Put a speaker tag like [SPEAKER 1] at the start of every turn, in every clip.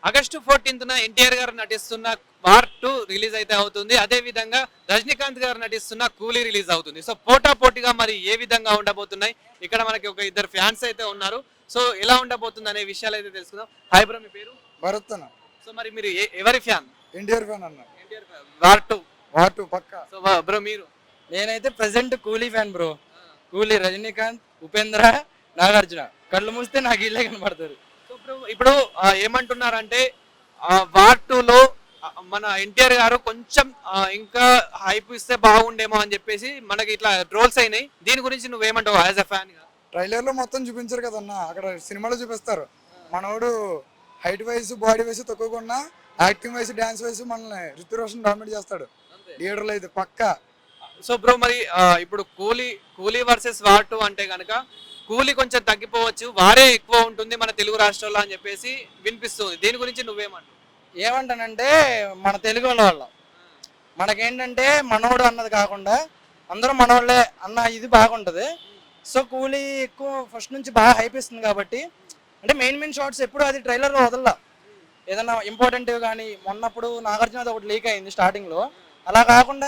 [SPEAKER 1] August 14న NTR గారు నటిస్తున్న war 2 release అయితే అవుతుంది. అదే విధంగా రజనీకాంత్ గారు నటిస్తున్న కూలీ రిలీజ్ అవుతుంది. సో పోటా పోటీగా మరి ఏ విధంగా ఉండబోతున్నాయి, ఇక్కడ మనకి ఒక ఇద్దరు ఫ్యాన్స్ అయితే ఉన్నారు. సో ఎలా ఉండబోతుంది అనే విషయాలు అయితే తెలుసుకుందాం. హాయ్ బ్రో, మీ పేరు?
[SPEAKER 2] భరత్ అన్న.
[SPEAKER 1] సో మరి మీరు ఎవరి ఫ్యాన్?
[SPEAKER 2] ఎన్టీఆర్ ఫ్యాన్ అన్న.
[SPEAKER 1] NTR War 2.
[SPEAKER 2] వార్ 2 పక్కా.
[SPEAKER 1] సో బ్రో మీరు?
[SPEAKER 3] నేనైతే ప్రెసెంట్ కూలీ ఫ్యాన్ బ్రో. కూలీ, రజనీకాంత్, ఉపేంద్ర, నాగార్జున. కళ్ళు మూస్తే నాకు ఇల్లే కనపడతారు.
[SPEAKER 1] సో బ్రో ఇప్పుడు ఏమంటున్నారంటే వార్ 2లో మన ఎన్టీఆర్ గారు కొంచెం ఇంకా హైప్ ఇస్తే బాగుండేమో అని చెప్పేసి మనకి ఇట్లా ట్రోల్స్ అయినాయి. దీని గురించి నువ్వేమంటావు యాజ్ అ ఫ్యాన్ గా?
[SPEAKER 2] ట్రైలర్ లో మొత్తం చూపించారు కదన్న, అక్కడ సినిమాలో చూపిస్తారు. మనోడు హైట్ వైజ్ బాడీ వైజ్ తక్కువకుండా యాక్టింగ్ వైజ్ డాన్స్ వైజ్ మనల్ని రితు రోషన్ డామినేట్ చేస్తాడు థియేటర్లో అయితే పక్కా.
[SPEAKER 1] సో బ్రో మరి ఇప్పుడు కూలీ వర్సెస్ వార్ 2 అంటే కనుక కూలీ కొంచెం తగ్గిపోవచ్చు, వారే ఎక్కువ ఉంటుంది మన తెలుగు రాష్ట్రాల్లో అని చెప్పేసి వినిపిస్తుంది. దీని గురించి నువ్వేమంటావు?
[SPEAKER 3] ఏమంటానంటే మన తెలుగు వాళ్ళ మనకేంటంటే మనోడు అన్నది కాకుండా అందరూ మనోళ్ళే అన్న ఇది బాగుంటుంది. సో కూలీ ఎక్కువ ఫస్ట్ నుంచి బాగా హైప్ ఇస్తుంది కాబట్టి, అంటే మెయిన్ షార్ట్స్ ఎప్పుడు అది ట్రైలర్లో వదల్లా. ఏదన్నా ఇంపార్టెంట్ కానీ మొన్నప్పుడు నాగార్జున ఒకటి లీక్ అయింది స్టార్టింగ్లో. అలా కాకుండా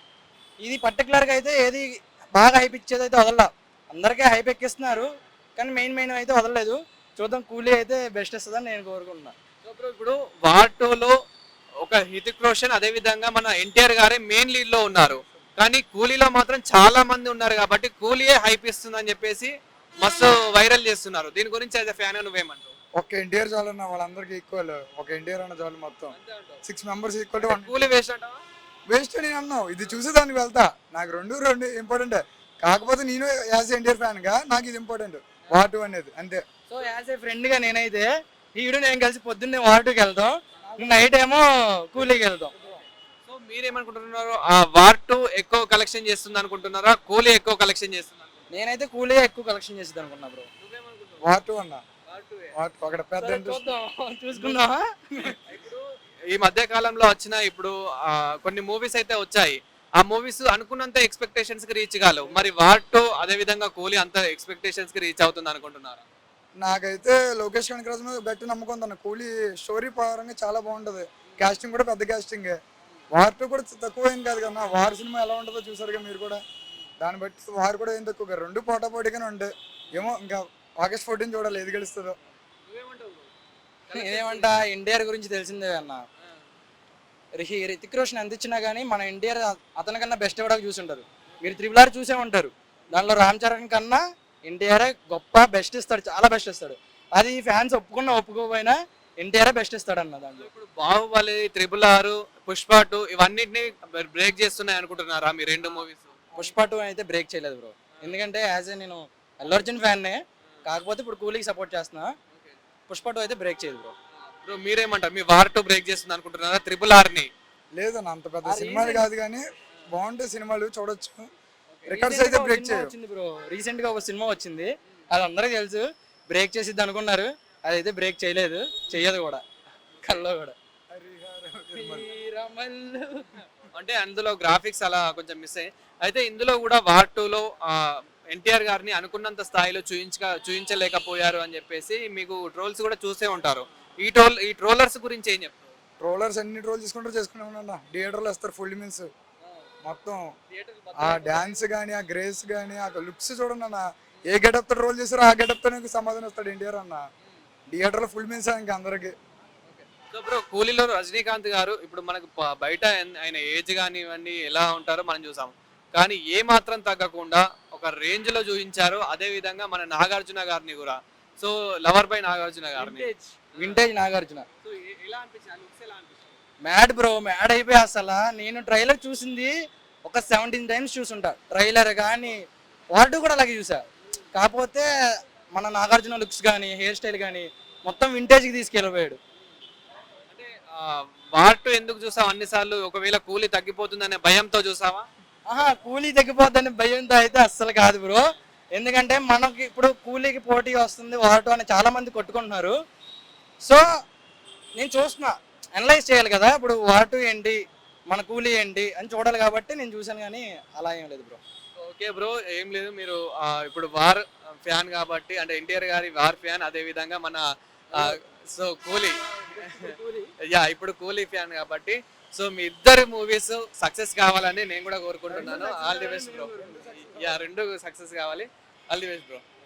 [SPEAKER 3] ఇది పర్టికులర్గా అయితే ఏది బాగా హైప్ ఇచ్చేది అయితే వదల్లా. అందరికీ హైప్ ఎక్కిస్తున్నారు కానీ మెయిన్ అయితే వదలలేదు. చూద్దాం, కూలీ అయితే బెస్ట్ ఇస్తుందని నేను కోరుకుంటున్నాను.
[SPEAKER 1] సో బ్రో ఇప్పుడు వార్ 2లో ఒక హృతిక్ రోషన్ అదే విధంగా మన ఎన్టీఆర్ గారే మెయిన్ లీడ్ లో ఉన్నారు, కానీ కూలీలో మాత్రం చాలా మంది ఉన్నారు కాబట్టి కూలీయే హైప్ ఇస్తుందని చెప్పేసి మస్తు వైరల్ చేస్తున్నారు. దీని గురించి యాజ్ ఎ ఫ్యాన్ నువ్వేమంటావు?
[SPEAKER 2] ఒక ఎన్టీఆర్ చాలు అన్న, వాళ్ళందరికీ ఈక్వల్. ఒక ఎన్టీఆర్ అన్న చాలు, మొత్తం 6 మెంబర్స్ ఈక్వల్.
[SPEAKER 1] కూలీ వేస్ట్ అంటావా?
[SPEAKER 2] వేస్ట్ నేను అన్నావు, ఇది చూసి దానికి వెళ్తా. నాకు రెండు ఇంపార్టెంట్. కాకపోతే నేను యాజ్ ఎన్టీఆర్ ఫ్యాన్ గా నాకు ఇది ఇంపార్టెంట్, వార్ 2 అనేది అంతే.
[SPEAKER 3] సో యాజ్ ఏ ఫ్రెండ్గా నేనైతే ఈడు నేను కలిసి పొద్దున్నే వార్ 2కి వెళ్తాం, నైట్ ఏమో కూలీకి వెళ్తాం.
[SPEAKER 1] సో మీరేమనుకుంటున్నారు? వార్ 2 ఎక్కువ కలెక్షన్ చేస్తుంది అనుకుంటున్నారా, కూలీ ఎక్కువ కలెక్షన్ చేస్తుంది?
[SPEAKER 3] నేనైతే కూలీ ఎక్కువ కలెక్షన్ చేసేది అనుకున్నా బ్రో.
[SPEAKER 2] వార్ 2 అన్న, వార్ 2 అక్కడ పెద్ద
[SPEAKER 3] చూసుకుందాం.
[SPEAKER 1] ఇప్పుడు ఈ మధ్య కాలంలో వచ్చిన ఇప్పుడు కొన్ని మూవీస్ అయితే వచ్చాయి. ఆ మూవీస్ అనుకున్నంత ఎక్స్పెక్టేషన్స్ కి రీచ్ కాలేవు. మరి వార్ 2 అదే విధంగా కూలీ అంత ఎక్స్పెక్టేషన్స్ కి రీచ్ అవుతుంది అనుకుంటున్నారా?
[SPEAKER 2] నాకైతే లోకేష్ కనకరాజు మీద బెట్ నమ్మకం ఉందన్న. కూలీ స్టోరీ పరంగా చాలా బాగుంటది, కాస్టింగ్ కూడా పెద్ద కాస్టింగ్. వార్ 2 కూడా తక్కువ ఏం కాదు కదా. వార్ సినిమా ఎలా ఉంటుందో చూసారుగా మీరు కూడా, దాన్ని బట్టి వార్ కూడా ఏం తక్కువ. రెండు పోటాపోటీగానే ఉంటాయి. ఏమో ఇంకా ఆగస్ట్ 14 చూడాలి ఏది గెలుస్తుందో.
[SPEAKER 3] నేనేమంటా, ఎన్టీఆర్ గురించి తెలిసిందే అన్న. రితిక్ రోషన్ ఎంత ఇచ్చినా కానీ మన ఎన్టీఆర్ అతనికన్నా బెస్ట్ ఇవ్వడానికి చూసుంటారు. మీరు RRR చూసే ఉంటారు, దానిలో రామ్ చరణ్ కన్నా ఎన్టీఆర్ గొప్ప బెస్ట్ ఇస్తాడు, చాలా బెస్ట్ ఇస్తాడు. అది ఫ్యాన్స్ ఒప్పుకున్నా ఒప్పుకోపోయినా ఎన్టీఆర్ బెస్ట్ ఇస్తాడు అన్న. దాంట్లో
[SPEAKER 1] ఇప్పుడు బాహుబలి, RRR, పుష్ప 2 ఇవన్నిటిని బ్రేక్ చేస్తున్నాయి అనుకుంటున్నారా మీ రెండు మూవీస్?
[SPEAKER 3] పుష్ప 2 అయితే బ్రేక్ చేయలేదు బ్రో, ఎందుకంటే యాజ్ ఏ నేను అల్లు అర్జున్ ఫ్యాన్నే. కాకపోతే ఇప్పుడు కూలీకి సపోర్ట్ చేస్తున్నా. పుష్ప 2 అయితే బ్రేక్ చేయదు బ్రో.
[SPEAKER 1] బ్రో మీరేమంటారు? మీ వార్ 2 బ్రేక్ చేస్తుంది అనుకుంటున్నారా RRR ని?
[SPEAKER 2] లేదన్న, అంత పెద్ద సినిమాలు కాదు కానీ బాగుంటే సినిమాలు చూడొచ్చు. రికార్డ్స్ అయితే బ్రేక్
[SPEAKER 3] వచ్చింది బ్రో. రీసెంట్ గా ఒక సినిమా వచ్చింది, అది అందరికీ తెలుసు. బ్రేక్ చేసిద్ది అనుకున్నారు, అదైతే బ్రేక్ చేయలేదు, చెయ్యదు కూడా. కల్లో కూడా
[SPEAKER 1] అంటే అందులో గ్రాఫిక్స్ అలా కొంచెం మిస్ అయ్యి. అయితే ఇందులో కూడా వార్ 2లో ఎన్టీఆర్ గారిని అనుకున్నంత స్థాయిలో చూపించలేకపోయారు అని చెప్పేసి మీకు ట్రోల్స్ కూడా చూసే ఉంటారు. ఈ ట్రోలర్స్ గురించి ఏం చెప్తారు?
[SPEAKER 2] ట్రోలర్స్ అన్ని ట్రోల్ చేసుకుంటే ఉన్నా థియేటర్లో వేస్తారు ఫుల్ మీన్స్ మొత్తం. ఆ డాన్స్ కానీ, ఆ గ్రేస్ కానీ, ఆ లుక్స్ చూడండి అన్న. ఏ గెటప్ తో ట్రోల్ చేస్తారో ఆ గెటప్ తో సమాధానం వస్తాడు ఎన్టీఆర్ అన్న. థియేటర్లో ఫుల్ మీన్స్ ఇంకా అందరికి.
[SPEAKER 1] సో బ్రో కూలీలో రజనీకాంత్ గారు ఇప్పుడు మనకు బయట ఆయన ఏజ్ కానీ ఇవన్నీ ఎలా ఉంటారో మనం చూసాము, కానీ ఏ మాత్రం తగ్గకుండా ఒక రేంజ్ లో చూపించారు. అదే విధంగా మన నాగార్జున గారిని కూడా, సో లవర్ బై నాగార్జున గారిని,
[SPEAKER 3] vintage Nagarjuna mad bro, mad అయిపోయి అసలు. నేను ట్రైలర్ చూసింది ఒక 17 టైమ్స్ చూసుంటా. ట్రైలర్ కానీ వార్ 2 కూడా అలాగే చూసా. కాకపోతే మన నాగార్జున లుక్స్ కానీ, హెయిర్ స్టైల్ కానీ మొత్తం వింటేజ్కి తీసుకెళ్ళిపోయాడు.
[SPEAKER 1] అంటే వార్ 2 ఎందుకు చూసావు అన్నిసార్లు? ఒకవేళ కూలీ తగ్గిపోతుందనే భయంతో చూసావా?
[SPEAKER 3] కూలీ తగ్గిపోద్దని భయంతో అయితే అస్సలు కాదు బ్రో. ఎందుకంటే మనకి ఇప్పుడు కూలీకి పోటీ వస్తుంది వార్ 2 అని చాలా మంది కొట్టుకుంటున్నారు. సో నేను చూస్తున్నా, అనలైజ్ చేయాలి కదా. ఇప్పుడు వార్ 2 ఏంటి, మన కూలీ ఏంటి అని చూడాలి కాబట్టి నేను చూశాను, కానీ అలా ఏం లేదు బ్రో.
[SPEAKER 1] ఓకే బ్రో, ఏం లేదు. మీరు ఇప్పుడు వార్ ఫ్యాన్ కాబట్టి, అంటే ఎన్టీఆర్ గారి వార్ ఫ్యాన్, అదే విధంగా మన సో కూలీ యా ఇప్పుడు కూలీ ఫ్యాన్ కాబట్టి సో మీ ఇద్దరు మూవీస్ సక్సెస్ కావాలని నేను కూడా కోరుకుంటున్నాను. All the best bro. Yeah రెండు సక్సెస్ కావాలి. All the best bro.